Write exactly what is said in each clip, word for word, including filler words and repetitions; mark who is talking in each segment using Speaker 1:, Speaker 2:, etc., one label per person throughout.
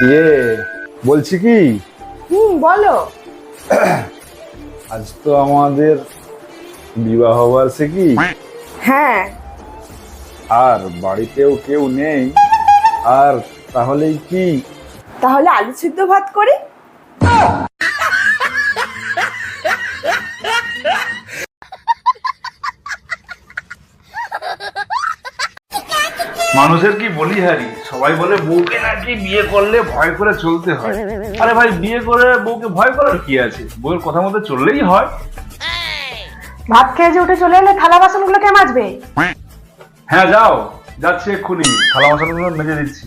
Speaker 1: ইয়ে বলছি কি,
Speaker 2: হুম বলো।
Speaker 1: আজ তো আমাদের বিবাহ বার্ষিকী,
Speaker 2: হ্যাঁ।
Speaker 1: আর বাড়িতেও কেউ নেই, আর তাহলেই কি
Speaker 2: তাহলে আলু সিদ্ধ ভাত করি।
Speaker 1: মানুষের কি বলি হারি, সবাই বলে বউকে নাকি বিয়ে করলে ভয় করে চলতে হয়। আরে ভাই, বিয়ে করে বউকে ভয় করার কি আছে? বউয়ের কথা মতো চললেই হয়।
Speaker 2: ভাত খেয়ে যে উঠে চলে এলে থালা বাসন গুলো কে মাজবে?
Speaker 1: হ্যাঁ যাও, যাচ্ছি এক্ষুনি, থালা বাসনগুলো মেজে দিচ্ছি।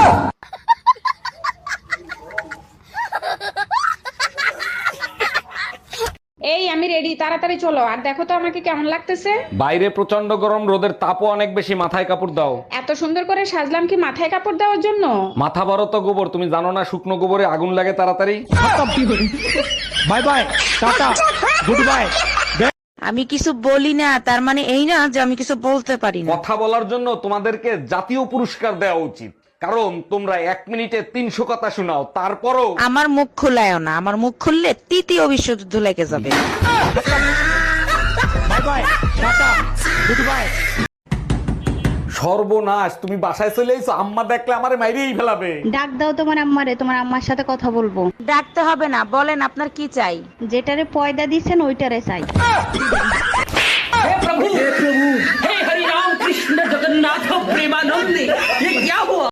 Speaker 3: এই আমি রেডি, তাড়াতাড়ি চলো। আর দেখো তো আমাকে কেমন লাগতেছে।
Speaker 4: বাইরে প্রচন্ড গরম, রোদের তাপও অনেক বেশি, মাথায় কাপড় দাও।
Speaker 3: এত সুন্দর করে সাজলাম কি মাথায় কাপড় দেওয়ার জন্য?
Speaker 4: মাথা বড় তো গোবর, তুমি জানো না শুকনো গোবরে আগুন লাগে তাড়াতাড়ি। Bye bye, tata, good bye.
Speaker 5: আমি কিছু বলি না তার মানে এই না যে আমি কিছু বলতে পারি না।
Speaker 4: কথা বলার জন্য তোমাদেরকে জাতীয় পুরস্কার দেওয়া উচিত, কারণ তোমরা এক মিনিটে তিনশো কথা শোনাও, তারপরও
Speaker 5: আমার মুখ খুলায়ও না, আমার মুখ খুললে তৃতীয় বিশ্বযুদ্ধ লেগে যাবে।
Speaker 4: Bye bye, tata, good bye. সর্বনাশ, তুমি বাসায় চলে এসো, আম্মা দেখলে আমারে মাইরেই ফেলাবে।
Speaker 6: ডাক দাও তোমার আম্মারে, তোমার আম্মার সাথে কথা বলবো।
Speaker 5: ডাকতে হবে না, বলেন আপনার কি চাই।
Speaker 6: যেটারে পয়দা দিচ্ছেন ওইটারে চাই।
Speaker 7: हे हरि राम कृष्ण जगन्नाथ प्रेमानंद, ये क्या हुआ?